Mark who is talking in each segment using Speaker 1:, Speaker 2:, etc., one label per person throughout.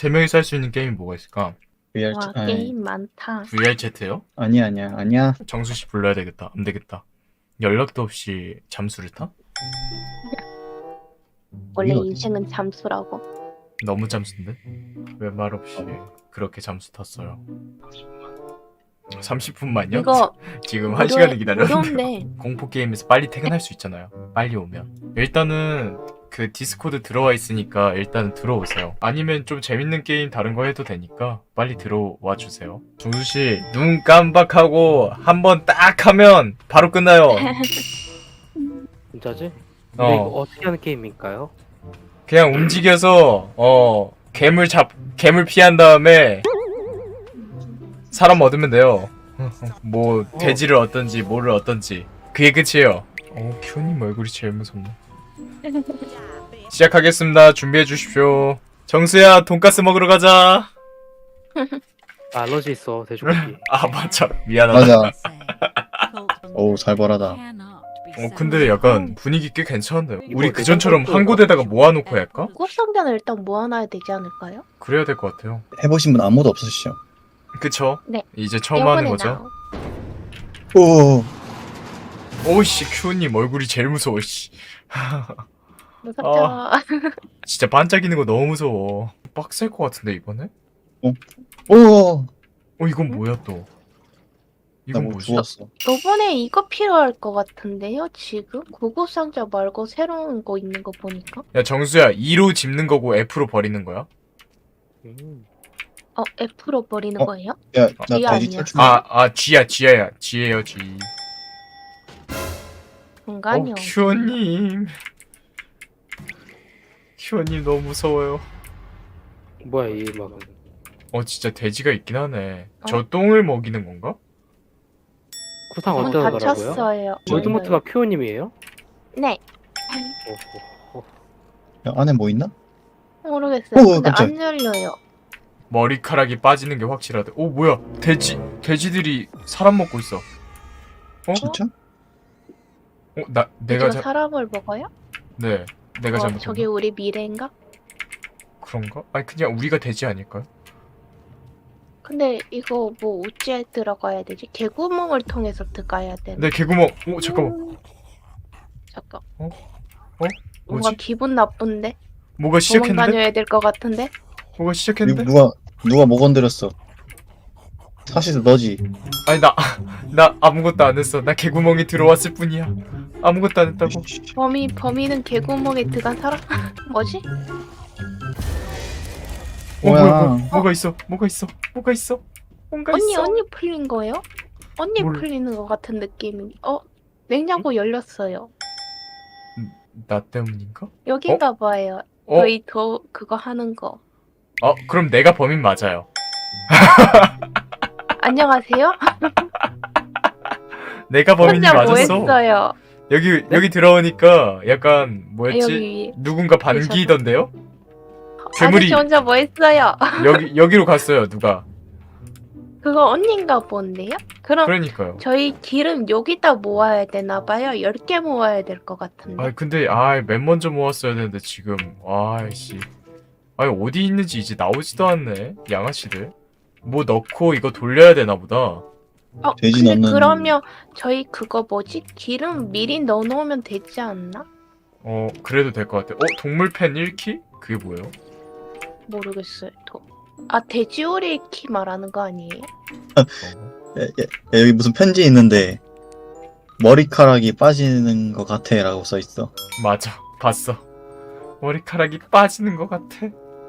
Speaker 1: 세 명이서 할 수 있는 게임이 뭐가 있을까?
Speaker 2: VR
Speaker 3: 와,
Speaker 2: 아니,
Speaker 3: 게임 많다.
Speaker 1: VR 채트요?
Speaker 2: 아니야.
Speaker 1: 정수씨 불러야 되겠다. 안 되겠다. 연락도 없이 잠수를 타?
Speaker 3: 원래
Speaker 2: 이게 어디-
Speaker 3: 인생은 잠수라고.
Speaker 1: 너무 잠수인데? 왜 말 없이 그렇게 잠수 탔어요? 30분만요?
Speaker 3: 이거
Speaker 1: 지금 1시간을
Speaker 3: 무료-
Speaker 1: 기다렸는데
Speaker 3: 무료인데
Speaker 1: 공포 게임에서 빨리 퇴근할 수 있잖아요. 빨리 오면. 일단은 그 디스코드 들어와 있으니까 일단은 들어오세요. 아니면 좀 재밌는 게임 다른 거 해도 되니까 빨리 들어와 주세요. 정수씨 눈 깜박하고 한 번 딱 하면 바로 끝나요.
Speaker 4: 진짜지? 근데 이거
Speaker 1: 어
Speaker 4: 어떻게 하는 게임일까요?
Speaker 1: 그냥 움직여서 괴물 피한 다음에 사람 얻으면 돼요. 뭐 돼지를 얻던지 뭐를 얻던지 그게 끝이에요. 큐님 얼굴이 제일 무섭네. 시작하겠습니다. 준비해 주십시오. 정수야 돈가스 먹으러 가자.
Speaker 4: 알러지 있어 돼지고기.
Speaker 1: 아 맞아 미안하다.
Speaker 2: 맞아. 오, 살벌하다.
Speaker 1: 근데 약간 분위기 꽤 괜찮은데요. 우리
Speaker 4: 이거
Speaker 1: 그전처럼
Speaker 4: 내가
Speaker 1: 한 곳에다가 모아놓고 할까?
Speaker 3: 구급상자는 일단 모아놔야 되지 않을까요?
Speaker 1: 그래야 될 것 같아요.
Speaker 2: 해보신 분 아무도 없으시죠?
Speaker 1: 그쵸?
Speaker 3: 네.
Speaker 1: 이제 처음 하는
Speaker 3: 이번에
Speaker 1: 거죠?
Speaker 2: 오,
Speaker 1: 오씨 큐님 얼굴이 제일 무서워 씨.
Speaker 3: 무섭죠.
Speaker 1: 진짜 반짝이는 거 너무 무서워. 빡셀 것 같은데 이번에?
Speaker 2: 오,
Speaker 1: 이건 뭐야 또? 이건
Speaker 2: 나뭐
Speaker 1: 뭐지?
Speaker 2: 주웠어.
Speaker 3: 이번에 이거 필요할 것 같은데요, 지금? 구급상자 말고 새로운 거 있는 거 보니까?
Speaker 1: 야 정수야 2로 집는 거고 F로 버리는 거야?
Speaker 3: F로 버리는
Speaker 2: 어?
Speaker 3: 거예요?
Speaker 2: 야, 나
Speaker 3: G
Speaker 2: 돼지
Speaker 3: 아니야.
Speaker 2: 탈출.
Speaker 1: G예요 G.
Speaker 3: 공간이요.
Speaker 1: 큐어님 너무 무서워요.
Speaker 4: 뭐야 이 막.
Speaker 1: 진짜 돼지가 있긴 하네. 저 똥을 먹이는 건가?
Speaker 4: 구상
Speaker 3: 문
Speaker 4: 어쩌더라고요?
Speaker 3: 닫혔어요.
Speaker 4: 월드모트가 큐어님이에요?
Speaker 3: 네.
Speaker 2: 야, 안에 뭐 있나?
Speaker 3: 모르겠어요.
Speaker 2: 오,
Speaker 3: 근데
Speaker 2: 깜짝.
Speaker 3: 안 열려요.
Speaker 1: 머리카락이 빠지는 게 확실하대. 뭐야? 돼지들이 사람 먹고 있어.
Speaker 2: 진짜?
Speaker 1: 내가
Speaker 3: 돼지가 사람을 먹어요?
Speaker 1: 네, 내가 잘못했나?
Speaker 3: 저게 우리 미래인가?
Speaker 1: 그런가? 아니 그냥 우리가 돼지 아닐까요?
Speaker 3: 근데 이거 뭐 어찌에 들어가야 되지? 개구멍을 통해서 들어가야 되나?
Speaker 1: 내 개구멍. 잠깐만.
Speaker 3: 잠깐.
Speaker 1: 어?
Speaker 3: 뭔가
Speaker 1: 뭐지?
Speaker 3: 기분 나쁜데?
Speaker 1: 뭐가
Speaker 3: 도망
Speaker 1: 시작했는데?
Speaker 3: 다녀야 될 것 같은데?
Speaker 1: 뭐가 시작했는데?
Speaker 2: 누가 뭐 건드렸어? 사실 너지.
Speaker 1: 아니 나 아무것도 안 했어. 나 개구멍이 들어왔을 뿐이야. 아무것도 안 했다고.
Speaker 3: 범인은 개구멍에 들어간 사람? 뭐지?
Speaker 2: 뭐야?
Speaker 1: 뭐가 있어? 뭔가 있어. 뭔가 있어.
Speaker 3: 언니 풀린 거예요? 언니
Speaker 1: 뭘-
Speaker 3: 풀리는 것 같은 느낌이. 냉장고 열렸어요.
Speaker 1: 나 때문인가?
Speaker 3: 여긴가 봐요. 저희 그거 하는 거.
Speaker 1: 그럼 내가 범인 맞아요.
Speaker 3: 안녕하세요?
Speaker 1: 내가 범인이
Speaker 3: 혼자 뭐
Speaker 1: 맞았어.
Speaker 3: 했어요?
Speaker 1: 여기 들어오니까 약간 뭐였지?
Speaker 3: 여기
Speaker 1: 누군가 반기던데요? 괴물이-
Speaker 3: 아저씨 혼자 뭐 했어요?
Speaker 1: 여기로 갔어요. 누가?
Speaker 3: 그거 언니인가 본데요? 그럼
Speaker 1: 그러니까요.
Speaker 3: 저희 기름 여기다 모아야 되나 봐요. 10개 모아야 될 것 같은데.
Speaker 1: 근데 맨 먼저 모았어야 되는데 지금 아이씨. 어디 있는지 이제 나오지도 않네. 양아치들. 뭐 넣고 이거 돌려야 되나 보다.
Speaker 2: 돼지
Speaker 3: 근데
Speaker 2: 넣는-
Speaker 3: 그러면 저희 그거 뭐지? 기름 미리 넣어놓으면 되지 않나?
Speaker 1: 그래도 될 것 같아. 동물팬 1키? 그게 뭐예요?
Speaker 3: 모르겠어요. 돼지오리 키 말하는 거 아니에요?
Speaker 2: 야, 여기 무슨 편지 있는데 머리카락이 빠지는 것 같아라고 써 있어.
Speaker 1: 맞아. 봤어. 머리카락이 빠지는 것 같아.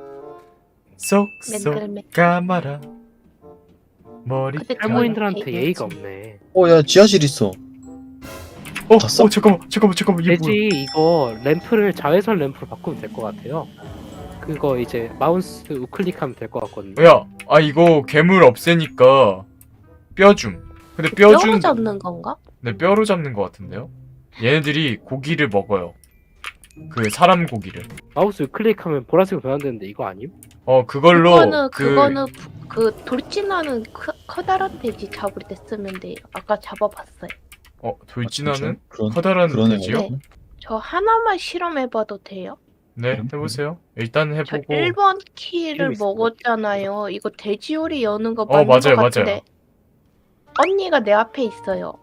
Speaker 1: 쏙쏙
Speaker 3: 맨들맨.
Speaker 1: 까마라. 머리.
Speaker 3: 근데
Speaker 4: 할머니들한테
Speaker 3: 저희
Speaker 4: 예의가
Speaker 3: 돼지.
Speaker 4: 없네.
Speaker 2: 야, 지하실 있어. 봤어?
Speaker 1: 잠깐만. 이게 뭐야?
Speaker 4: 돼지 이거 램프를 자외선 램프로 바꾸면 될 것 같아요. 그거 이제 마우스 우클릭하면 될 것 같거든요.
Speaker 1: 야, 이거 괴물 없애니까 뼈 줌. 근데
Speaker 3: 뼈로
Speaker 1: 뼈
Speaker 3: 잡는 건가?
Speaker 1: 네, 뼈로 잡는 것 같은데요? 얘네들이 고기를 먹어요. 그 사람 고기를.
Speaker 4: 마우스 우클릭하면 보라색으로 변환되는데 이거 아님?
Speaker 1: 그걸로
Speaker 3: 그거는 그 돌진하는 커다란 돼지 잡을 때 쓰면 돼요. 아까 잡아봤어요.
Speaker 1: 돌진하는
Speaker 2: 그런
Speaker 1: 커다란
Speaker 2: 그런
Speaker 1: 돼지요?
Speaker 2: 애가 있나?
Speaker 3: 저 하나만 실험해봐도 돼요?
Speaker 1: 네, 해보세요. 일단
Speaker 3: 저
Speaker 1: 해보고.
Speaker 3: 1번 키를
Speaker 4: 게임 있어요.
Speaker 3: 먹었잖아요. 이거 돼지요리 여는 거
Speaker 1: 어,
Speaker 3: 맞는
Speaker 1: 맞아요,
Speaker 3: 거 같은데.
Speaker 1: 맞아요.
Speaker 3: 언니가 내 앞에 있어요.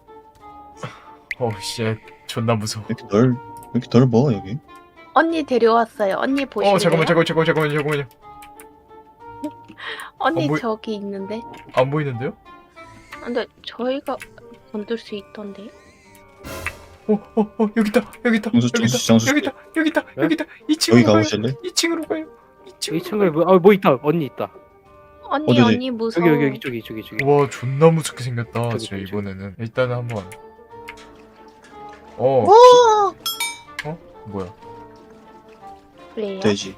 Speaker 1: 씨, 존나 무서워.
Speaker 2: 왜 이렇게 넓어 여기?
Speaker 3: 언니 데려왔어요. 언니 보실래요?
Speaker 1: 잠깐만요.
Speaker 3: 언니
Speaker 1: 뭐-
Speaker 3: 저기 있는데.
Speaker 1: 안 보이는데요?
Speaker 3: 근데 저희가 건들 수 있던데.
Speaker 1: 여기 있다.
Speaker 2: 정수
Speaker 4: 네?
Speaker 1: 여기 있다.
Speaker 2: 여기
Speaker 1: 2층으로 가요.
Speaker 2: 가보실래?
Speaker 1: 2층으로 가요.
Speaker 4: 2층에 뭐 있다. 언니 있다.
Speaker 3: 언니
Speaker 2: 어디지?
Speaker 3: 언니 무서워.
Speaker 4: 여기 이쪽이.
Speaker 1: 와, 존나 무섭게 생겼다.
Speaker 4: 저기,
Speaker 1: 진짜
Speaker 4: 저기.
Speaker 1: 이번에는. 일단은 한번.
Speaker 3: 오!
Speaker 1: 뭐야?
Speaker 3: 그래요?
Speaker 2: 돼지.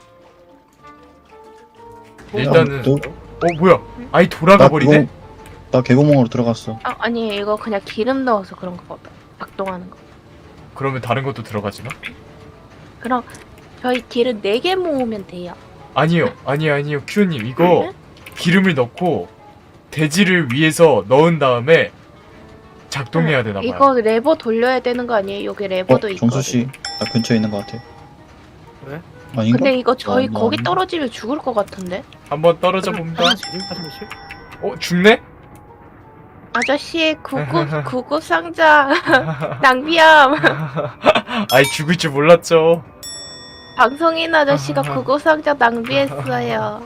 Speaker 1: 일단은
Speaker 2: 너,
Speaker 1: 뭐야? 아이 돌아가 버리네?
Speaker 2: 나 개구멍으로 들어갔어.
Speaker 3: 아니 이거 그냥 기름 넣어서 그런 거 보다. 작동하는 거.
Speaker 1: 그러면 다른 것도 들어가지나?
Speaker 3: 그럼 저희 기름 4개 모으면 돼요.
Speaker 1: 아니요. 큐님 이거
Speaker 3: 네?
Speaker 1: 기름을 넣고 돼지를 위에서 넣은 다음에 작동해야 되나 봐요.
Speaker 3: 이거 레버 돌려야 되는 거 아니에요? 여기 레버도 있거든.
Speaker 2: 정수 씨, 나 근처에 있는 것 같아.
Speaker 4: 왜?
Speaker 2: 아닌가?
Speaker 3: 근데 이거 저희
Speaker 2: 나
Speaker 3: 거기
Speaker 2: 아닌가?
Speaker 3: 떨어지면 죽을 것 같은데?
Speaker 1: 한번 떨어져 봅니다.
Speaker 4: 화장실?
Speaker 1: 죽네?
Speaker 3: 아저씨 구급 상자 낭비함.
Speaker 1: 아이 죽을 줄 몰랐죠.
Speaker 3: 방송인 아저씨가 구급 상자 낭비했어요.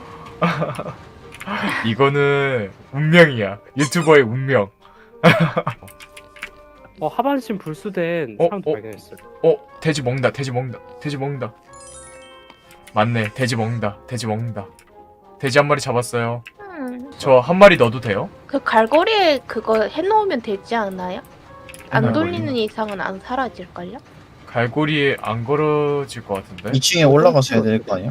Speaker 1: 이거는 운명이야. 유튜버의 운명.
Speaker 4: 하반신 불수된 사람도 발견했어요.
Speaker 1: 돼지 먹는다. 맞네. 돼지 먹는다. 돼지 한 마리 잡았어요. 저 한 마리 넣어도 돼요?
Speaker 3: 그 갈고리에 그거 해놓으면 되지 않아요? 안
Speaker 1: 갈고리?
Speaker 3: 돌리는 이상은 안 사라질걸요?
Speaker 1: 갈고리에 안 걸어질 것 같은데?
Speaker 2: 2층에 올라가서 해야 될 거 아니야?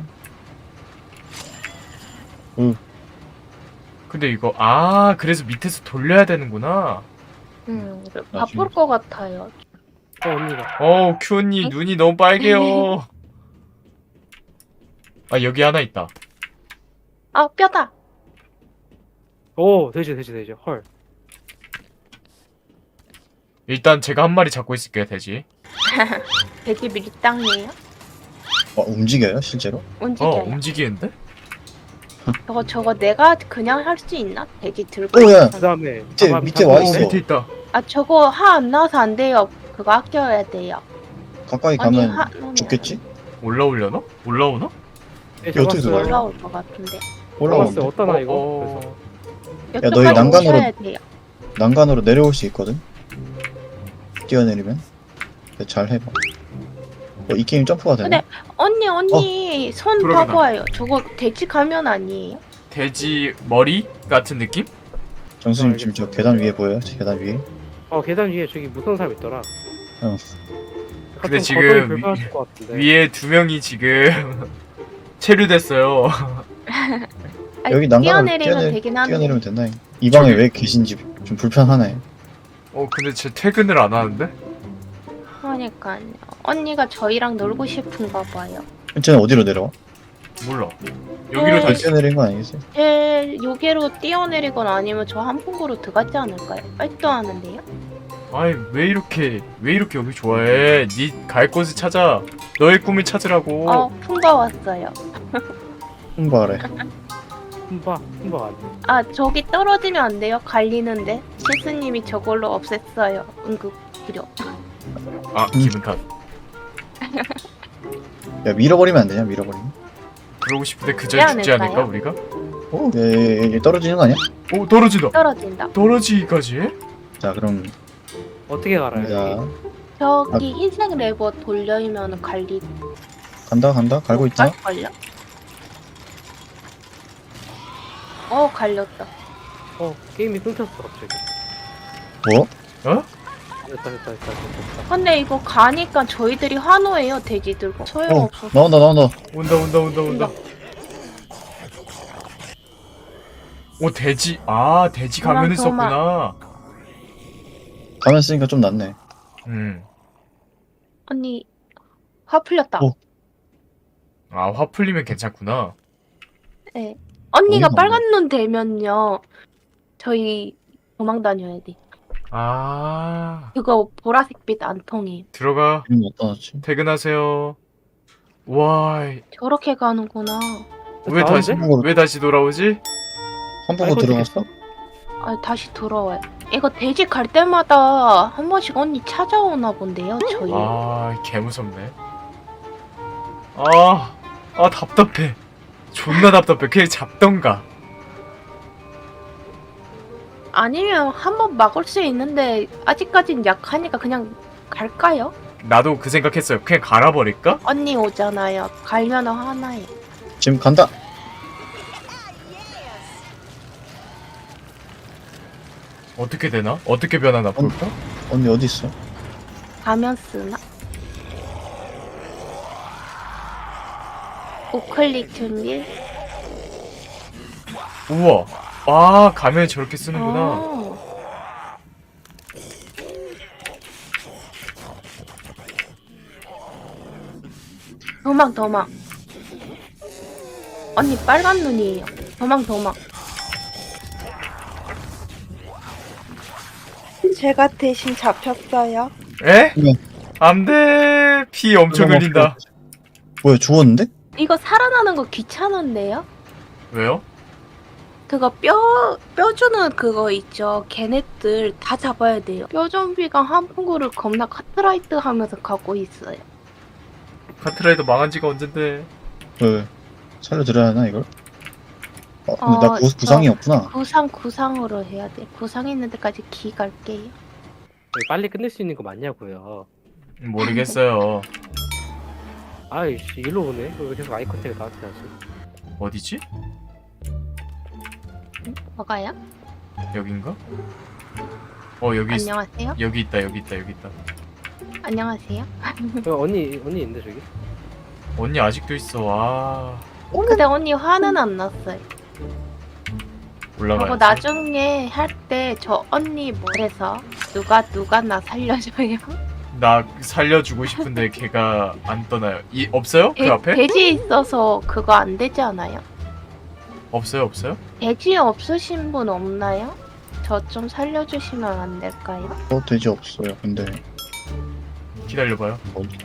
Speaker 1: 근데 이거 그래서 밑에서 돌려야 되는구나.
Speaker 3: 바쁠 것 같아요.
Speaker 4: 언니가.
Speaker 1: 큐 언니 눈이 너무 빨개요. 여기 하나 있다.
Speaker 3: 아 뼈다.
Speaker 4: 오, 돼지. 헐.
Speaker 1: 일단 제가 한 마리 잡고 있을게요, 돼지.
Speaker 3: 돼지 밀당이에요?
Speaker 2: 움직여요 실제로?
Speaker 3: 움직여요.
Speaker 1: 움직이는데?
Speaker 3: 저거 내가 그냥 할 수 있나? 돼지 들고.
Speaker 2: 오야.
Speaker 4: 그다음에
Speaker 2: 밑에 와 있어.
Speaker 1: 밑에 있다.
Speaker 3: 아 저거 화 안 나와서 안 돼요. 그거 아껴야 돼요.
Speaker 2: 가까이
Speaker 3: 아니
Speaker 2: 가면
Speaker 3: 화 나면
Speaker 2: 죽겠지?
Speaker 1: 올라오려나? 올라오나?
Speaker 4: 네,
Speaker 2: 어떻게
Speaker 4: 잡았어요.
Speaker 2: 들어가요?
Speaker 3: 올라올 것 같은데.
Speaker 2: 올라오는데
Speaker 4: 잡았어요. 어떠나 이거? 그래서
Speaker 2: 너희
Speaker 3: 여기까지
Speaker 2: 난간으로-
Speaker 3: 오셔야 돼요.
Speaker 2: 난간으로 내려올 수 있거든. 뛰어내리면. 근데 잘 해봐. 이 게임 점프가 되네.
Speaker 3: 언니 손
Speaker 1: 돌아가다.
Speaker 3: 봐봐요. 저거 돼지 가면 아니에요?
Speaker 1: 돼지 머리 같은 느낌?
Speaker 2: 정수님 지금 저 계단 위에 보여요? 저 계단 위에.
Speaker 4: 계단 위에 저기 무서운 사람 있더라.
Speaker 2: 어.
Speaker 1: 근데
Speaker 4: 좀
Speaker 1: 지금
Speaker 4: 거덜이 불편하실 것 같은데.
Speaker 1: 위에 두 명이 지금 체류됐어요.
Speaker 3: 아니,
Speaker 2: 여기 난간으로
Speaker 3: 뛰어내리면 되긴 하네.
Speaker 2: 뛰어내리면 된다. 이 방에
Speaker 1: 저기-
Speaker 2: 왜 계신지 좀 불편하네.
Speaker 1: 근데 쟤 퇴근을 안 하는데?
Speaker 3: 그러니까요. 언니가 저희랑 놀고 싶은가 봐요.
Speaker 2: 쟤는 어디로 내려와?
Speaker 1: 몰라. 여기로
Speaker 3: 네.
Speaker 1: 다시.
Speaker 2: 뛰어내린 거 아니겠어요?
Speaker 3: 제 요괴로 뛰어내리거나 아니면 저 한풍구로 들어가지 않을까요? 빨도 하는데요?
Speaker 1: 왜 이렇게 여기 좋아해? 니 갈 곳을 찾아. 너의 꿈을 찾으라고.
Speaker 3: 풍바 왔어요.
Speaker 2: 홍보하래.
Speaker 4: 흠바가 안 돼.
Speaker 3: 아 저기 떨어지면 안 돼요? 갈리는데 실스님이 저걸로 없앴어요. 응급 필요.
Speaker 1: 기분 탓.
Speaker 2: 야 밀어버리면 안 되냐? 밀어버리면.
Speaker 1: 그러고 싶은데 그 전에 죽지
Speaker 3: 않을까요?
Speaker 1: 않을까 우리가?
Speaker 2: 얘 떨어지는 거 아니야?
Speaker 1: 떨어진다.
Speaker 3: 떨어진다.
Speaker 1: 떨어지기까지 해?
Speaker 2: 자 그럼
Speaker 4: 어떻게 갈아요?
Speaker 2: 자
Speaker 3: 저기 흰색 레버 돌려면 갈리
Speaker 2: 간다 갈고 있다.
Speaker 3: 갈걸요? 갈렸다.
Speaker 4: 게임이 끊겼어 갑자기.
Speaker 2: 뭐?
Speaker 4: 됐다.
Speaker 3: 근데 이거 가니까 저희들이 환호해요. 돼지 들고. 소용없어.
Speaker 2: 나온다.
Speaker 1: 온다. 돼지. 돼지 가면을
Speaker 3: 도망.
Speaker 1: 썼구나.
Speaker 2: 가면 쓰니까 좀 낫네.
Speaker 3: 언니 화 풀렸다.
Speaker 1: 화 풀리면 괜찮구나.
Speaker 3: 네. 언니가
Speaker 2: 어이가
Speaker 3: 빨간 눈 되면요. 저희 도망 다녀야 돼. 그거 보라색 빛 안 통해.
Speaker 1: 들어가.
Speaker 2: 이름 어디다 놨지?
Speaker 1: 퇴근하세요. 와,
Speaker 3: 저렇게 가는구나.
Speaker 1: 왜 다시
Speaker 4: 나오는데?
Speaker 1: 왜 다시 돌아오지?
Speaker 2: hamburger
Speaker 4: 아이고,
Speaker 2: 들어갔어?
Speaker 3: 아, 다시 돌아와요. 이거 돼지 갈 때마다 한 번씩 언니 찾아오나 본데요, 저희.
Speaker 1: 아, 개 무섭네. 답답해. 존나 답답해. 그냥 잡던가.
Speaker 3: 아니면 한 번 막을 수 있는데 아직까진 약하니까 그냥 갈까요?
Speaker 1: 나도 그 생각했어요. 그냥 갈아버릴까?
Speaker 3: 언니 오잖아요. 갈면 화나요.
Speaker 2: 지금 간다.
Speaker 1: 어떻게 되나? 어떻게 변하나 볼까?
Speaker 2: 언니 어디 있어?
Speaker 3: 가면 쓰나? 우클릭 준비.
Speaker 1: 우와. 아, 가면 저렇게 쓰는구나.
Speaker 3: 어. 도망. 언니 빨간 눈이에요. 도망. 제가 대신 잡혔어요.
Speaker 1: 에?
Speaker 2: 네.
Speaker 1: 안 돼. 피 엄청 흘린다.
Speaker 2: 뭐야 죽었는데?
Speaker 3: 이거 살아나는 거 귀찮은데요?
Speaker 1: 왜요?
Speaker 3: 그거 뼈 주는 그거 있죠. 걔네들 다 잡아야 돼요. 뼈 좀비가 함부구를 겁나 카트라이트 하면서 가고 있어요.
Speaker 1: 카트라이더 망한 지가 언젠데.
Speaker 2: 왜 살려드려야 하나 이걸? 근데 나 부상이 없구나.
Speaker 3: 구상으로 해야 돼. 구상 있는 데까지 기 갈게요.
Speaker 4: 빨리 끝낼 수 있는 거 맞냐고요.
Speaker 1: 모르겠어요.
Speaker 4: 아이씨 일로 오네. 왜 계속 아이 컨택을 나한테 하지?
Speaker 1: 어디지?
Speaker 3: 뭐가요?
Speaker 1: 여긴가? 여기
Speaker 3: 안녕하세요.
Speaker 1: 여기 있다.
Speaker 3: 안녕하세요.
Speaker 4: 언니 있는데 저기?
Speaker 1: 언니 아직도 있어. 아,
Speaker 3: 근데 언니 화는 안 났어요.
Speaker 1: 올라가야지.
Speaker 3: 그리고 나중에 할 때 저 언니 뭐래서 누가 나 살려줘요.
Speaker 1: 나 살려주고 싶은데 걔가 안 떠나요. 없어요? 그 앞에?
Speaker 3: 돼지 있어서 그거 안 되지 않아요?
Speaker 1: 없어요?
Speaker 3: 돼지 없으신 분 없나요? 저 좀 살려주시면 안 될까요?
Speaker 2: 돼지 없어요. 근데
Speaker 1: 기다려봐요.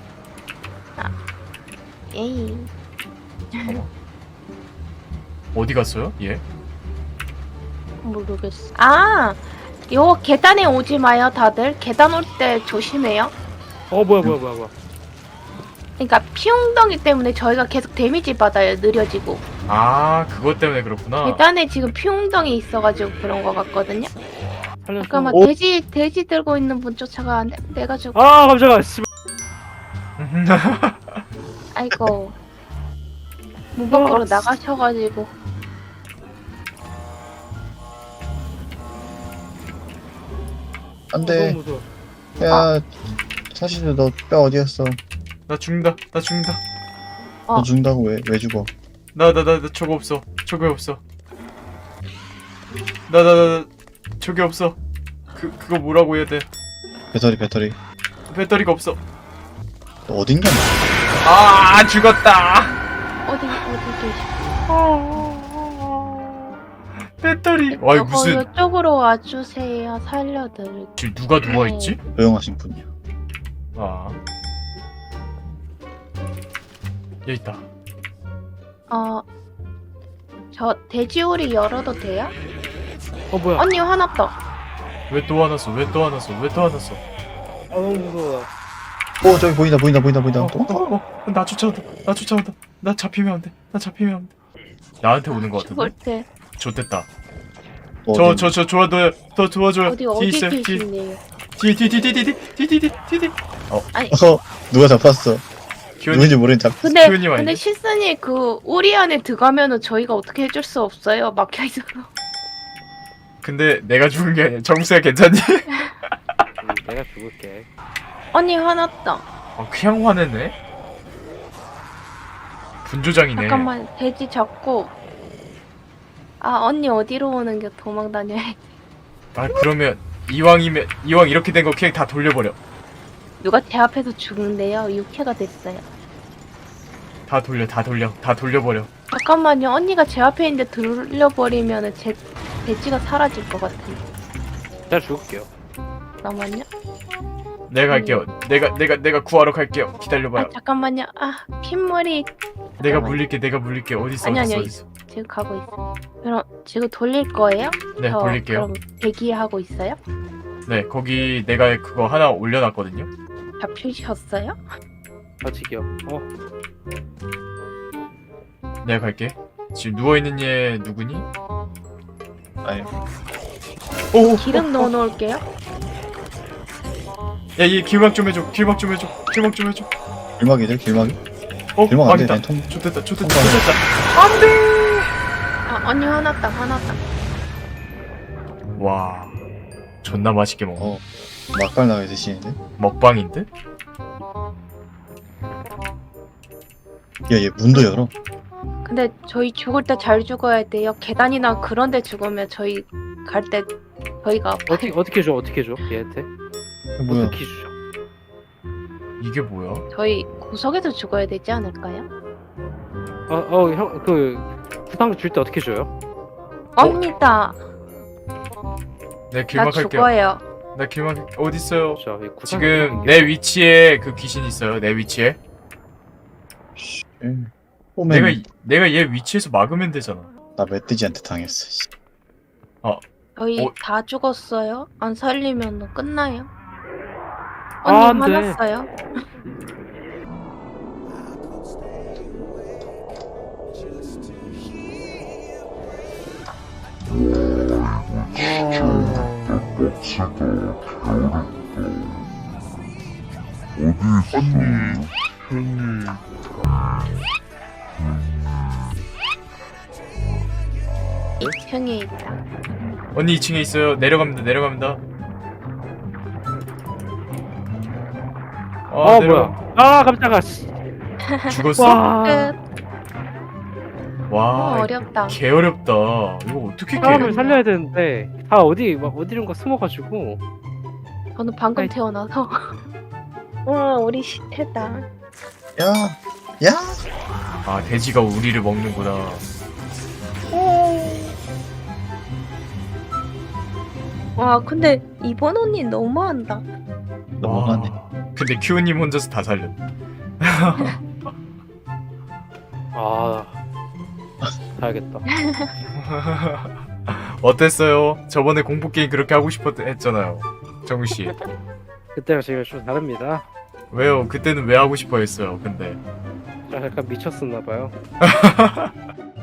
Speaker 3: 에이.
Speaker 1: 어디 갔어요? 얘?
Speaker 3: 모르겠어. 아! 요 계단에 오지 마요, 다들. 계단 올 때 조심해요.
Speaker 4: 뭐야.
Speaker 3: 그러니까 피웅덩이 때문에 저희가 계속 데미지 받아요, 느려지고.
Speaker 1: 아, 그것 때문에 그렇구나.
Speaker 3: 계단에 지금 피웅덩이 있어가지고 그런 거 같거든요.
Speaker 4: 살려줘.
Speaker 3: 잠깐만, 돼지 들고 있는 분 쫓아가. 안 돼. 내가 죽어.
Speaker 4: 아 깜짝아. 씨.
Speaker 3: 아이고. 문 밖으로 나가셔가지고.
Speaker 2: 안돼.
Speaker 4: 너무 무서워.
Speaker 2: 야 사실 너 뼈 어디였어?
Speaker 1: 나 죽는다.
Speaker 2: 너 죽는다고 왜 죽어?
Speaker 1: 나 저거 없어. 나 저게 없어. 그거 뭐라고 해야 돼?
Speaker 2: 배터리.
Speaker 1: 배터리가 없어.
Speaker 2: 너 어딘가?
Speaker 1: 아, 죽었다.
Speaker 3: 어디 계시?
Speaker 1: 배터리. 와, 이거 무슨
Speaker 3: 이쪽으로 와주세요. 살려드릴.
Speaker 1: 지금 누가 누워 있지?
Speaker 2: 조용하신 분이야.
Speaker 1: 아. 여기 있다.
Speaker 3: 저 돼지우리 열어도 돼요?
Speaker 4: 뭐야?
Speaker 3: 언니 화났다.
Speaker 1: 왜 또 화났어?
Speaker 4: 아 너무 무서워.
Speaker 2: 저기 보인다.
Speaker 1: 나 쫓아온다. 나 잡히면 안 돼. 나한테 오는 거
Speaker 3: 죽을
Speaker 1: 같은데?
Speaker 3: 때
Speaker 1: 좋됐다.
Speaker 2: 너
Speaker 1: 저 도와줘요.
Speaker 3: 어디
Speaker 1: 뒤에 있어요. 뒤에.
Speaker 3: 계시네요.
Speaker 1: 뒤.
Speaker 2: 누가 잡았어?
Speaker 1: 기현이,
Speaker 2: 누군지 모르는 잡.
Speaker 3: 근데
Speaker 1: 키우님 아니야?
Speaker 3: 실선이 그 우리 안에 들어가면은 저희가 어떻게 해줄 수 없어요. 막혀 있어서.
Speaker 1: 근데 내가 죽은 게 아니야. 정수야 괜찮니?
Speaker 4: 내가 죽을게.
Speaker 3: 언니 화났다.
Speaker 1: 그냥 화내네? 분조장이네.
Speaker 3: 잠깐만 돼지 잡고. 언니 어디로 오는 게 도망 다녀야.
Speaker 1: 그러면 이왕 이렇게 된 거 그냥 다 돌려버려.
Speaker 3: 누가 제 앞에서 죽는데요. 6회가 됐어요.
Speaker 1: 다 돌려버려.
Speaker 3: 잠깐만요. 언니가 제 앞에 있는데 돌려버리면은 제 돼지가 사라질 것 같아요.
Speaker 4: 내가 죽을게요.
Speaker 3: 잠깐만요.
Speaker 1: 내가 갈게요. 내가 구하러 갈게요. 기다려봐요.
Speaker 3: 아 잠깐만요. 아 핏물이
Speaker 1: 내가 물릴게. 어디 있어?
Speaker 3: 아니,
Speaker 1: 어디 있어?
Speaker 3: 아니,
Speaker 1: 어디 있어?
Speaker 3: 지금 가고 있어. 그럼 지금 돌릴 거예요?
Speaker 1: 네, 돌릴게요.
Speaker 3: 그럼 대기하고 있어요?
Speaker 1: 네, 거기 내가 그거 하나 올려놨거든요.
Speaker 3: 잡히셨어요?
Speaker 4: 아직이요.
Speaker 1: 내가 갈게. 지금 누워 있는 얘 누구니?
Speaker 2: 아니
Speaker 1: 오,
Speaker 3: 기름 넣어놓을게요.
Speaker 1: 야, 얘 길막 좀 해줘. 길막 좀 해줘.
Speaker 2: 길막이들 길막이?
Speaker 1: 어,
Speaker 2: 길막 안돼
Speaker 1: 아니다.
Speaker 2: 난 통.
Speaker 1: 좋됐다.
Speaker 2: 통과해.
Speaker 3: 아 언니 화났다.
Speaker 1: 와, 존나 맛있게 먹어.
Speaker 2: 막갈 나게 드시는데?
Speaker 1: 먹방인 듯?
Speaker 2: 야얘 문도 열어.
Speaker 3: 근데 저희 죽을 때 잘 죽어야 돼요. 계단이나 그런 데 죽으면 저희 갈 때 저희가
Speaker 4: 어떻게 줘? 얘한테
Speaker 2: 뭐야?
Speaker 4: 어떻게 주죠?
Speaker 1: 이게 뭐야?
Speaker 3: 저희 구석에서 죽어야 되지 않을까요?
Speaker 4: 형 그 구상 줄 때 어떻게 줘요?
Speaker 3: 언니다.
Speaker 1: 내가
Speaker 3: 나
Speaker 1: 길막 할게요.
Speaker 3: 죽어요.
Speaker 1: 나 길막 어디 있어요?
Speaker 4: 자, 이 구상
Speaker 1: 지금 내 위치에 그 귀신 있어요. 내 위치에.
Speaker 2: 오면
Speaker 1: 내가 얘 위치에서 막으면 되잖아.
Speaker 2: 나 멧돼지한테 당했어. 씨.
Speaker 3: 저희
Speaker 1: 어?
Speaker 3: 다 죽었어요. 안 살리면 끝나요.
Speaker 4: 아,
Speaker 3: 언니
Speaker 4: 안 돼.
Speaker 3: 화났어요? 형에 있다.
Speaker 1: 언니 2층에 있어요. 내려갑니다.
Speaker 4: 뭐야? 아, 깜짝아. 씨.
Speaker 1: 죽었어?
Speaker 4: 와.
Speaker 3: 끝.
Speaker 1: 와,
Speaker 3: 어렵다.
Speaker 1: 개 어렵다. 이거 어떻게 깨?
Speaker 4: 사람을 살려야 되는데 다 어디론가 숨어가지고.
Speaker 3: 저는 방금
Speaker 4: 아이.
Speaker 3: 태어나서. 와 우리 시태다.
Speaker 2: 야.
Speaker 1: 아, 돼지가 우리를 먹는구나.
Speaker 3: 와 근데 이번 언니 너무한다.
Speaker 2: 너무하네.
Speaker 1: 근데 큐님 혼자서 다 살렸.
Speaker 4: 아, 가야겠다.
Speaker 1: 어땠어요? 저번에 공포 게임 그렇게 하고 싶었 했잖아요. 정우 씨.
Speaker 4: 그때랑 지금 좀 다릅니다.
Speaker 1: 왜요? 그때는 왜 하고 싶어 했어요? 근데
Speaker 4: 저 약간 미쳤었나 봐요.